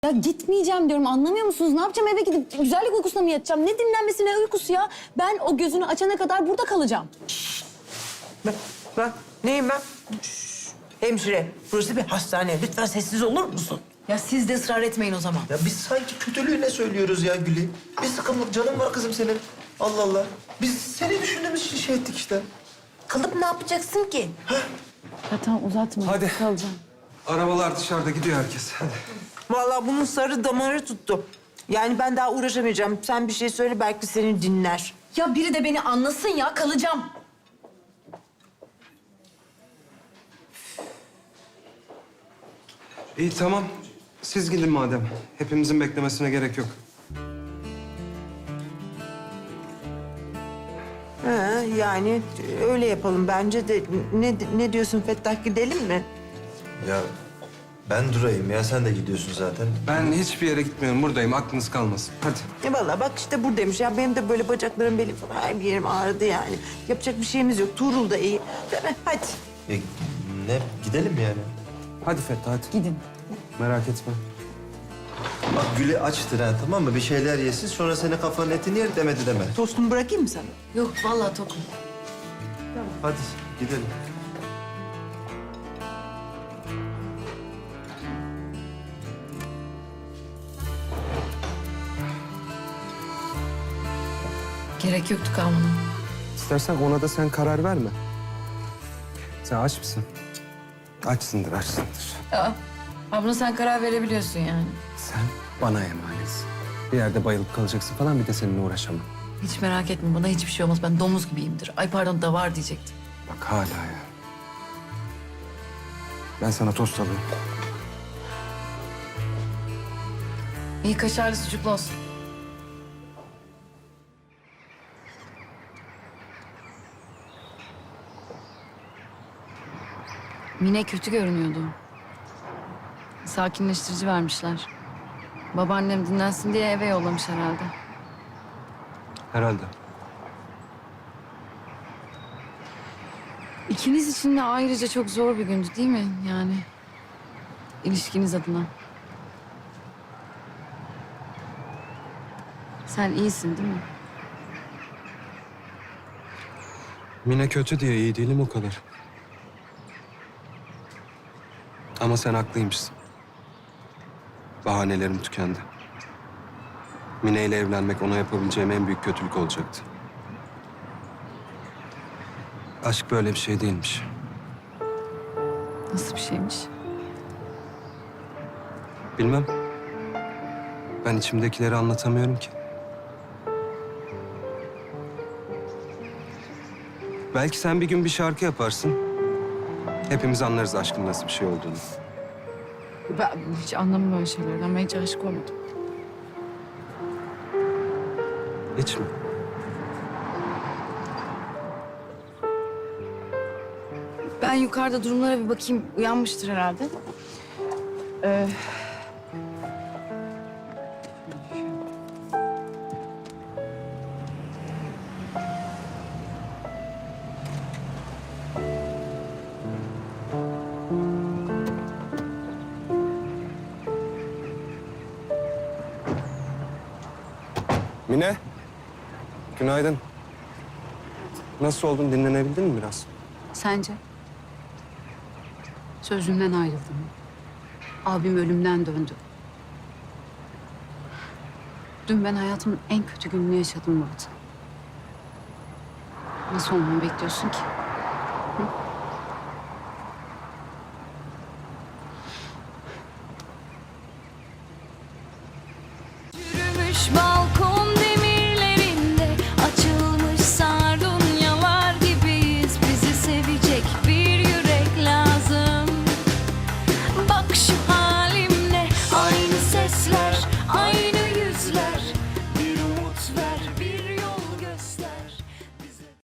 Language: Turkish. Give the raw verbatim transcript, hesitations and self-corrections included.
Ya gitmeyeceğim diyorum, anlamıyor musunuz? Ne yapacağım, eve gidip güzellik uykusuna mı yatacağım? Ne dinlenmesi ne uykusu ya? Ben o gözünü açana kadar burada kalacağım. Bak, bak neyim ben? Şşş, hemşire, burası bir hastane. Lütfen sessiz olur musun? Ya siz de ısrar etmeyin o zaman. Ya biz sanki kötülüğüne söylüyoruz ya Gül'ü. Bir sıkımlık canın var kızım senin. Allah Allah. Biz seni düşündüğümüz için şey ettik işte. Kalıp ne yapacaksın ki? Ya tamam, uzatma. Hadi. Kalacağım. Arabalar dışarıda gidiyor herkes. Hadi. Vallahi bunun sarı damarı tuttu. Yani ben daha uğraşamayacağım. Sen bir şey söyle, belki seni dinler. Ya biri de beni anlasın ya, kalacağım. İyi tamam. Siz gidin madem. Hepimizin beklemesine gerek yok. Ha, yani öyle yapalım bence de. Ne, ne diyorsun Fettah, gidelim mi? Ya ben durayım ya. Sen de gidiyorsun zaten. Ben hiçbir yere gitmiyorum. Buradayım. Aklınız kalmasın. Hadi. E vallahi bak işte buradaymış. Ya benim de böyle bacaklarım, belim falan her bir yerim ağrıdı yani. Yapacak bir şeyimiz yok. Tuğrul da iyi. Değil mi? Hadi. E, ne? Gidelim yani. Hadi Fettah hadi. Gidin. Merak etme. Bak Gül'ü açtır ha, tamam mı? Bir şeyler yesin, sonra senin kafanın etini yer demedi deme. Tostumu bırakayım mı sana? Yok vallahi tokum. Hadi gidelim. Gerek yoktu kalmana. İstersen ona da sen karar verme. Sen aç mısın? Açsındır, açsındır. Aa, abla sen karar verebiliyorsun yani. Sen bana emanetsin. Bir yerde bayılıp kalacaksın falan, bir de seninle uğraşamam. Hiç merak etme, bana hiçbir şey olmaz. Ben domuz gibiyimdir. Ay pardon, da var diyecektim. Bak hala ya. Ben sana tost alayım. İyi kaşarlı sucuklu olsun. Mine kötü görünüyordu. Sakinleştirici vermişler. Babaannem dinlensin diye eve yollamış herhalde. Herhalde. İkiniz için de ayrıca çok zor bir gündü değil mi? Yani ilişkiniz adına. Sen iyisin değil mi? Mine kötü diye iyi değilim o kadar. Ama sen haklıymışsın. Bahanelerim tükendi. Mine ile evlenmek ona yapabileceğim en büyük kötülük olacaktı. Aşk böyle bir şey değilmiş. Nasıl bir şeymiş? Bilmem. Ben içimdekileri anlatamıyorum ki. Belki sen bir gün bir şarkı yaparsın. Hepimiz anlarız aşkın nasıl bir şey olduğunu. Ben hiç anlamam öyle şeylerden. Ben hiç aşık olmadım. Hiç mi? Ben yukarıda durumlara bir bakayım. Uyanmıştır herhalde. Ee... Mine. Günaydın. Nasıl oldun? Dinlenebildin mi biraz? Sence? Sözümden ayrıldım. Abim ölümden döndü. Dün ben hayatımın en kötü gününü yaşadım Murat. Nasıl olmamı bekliyorsun ki?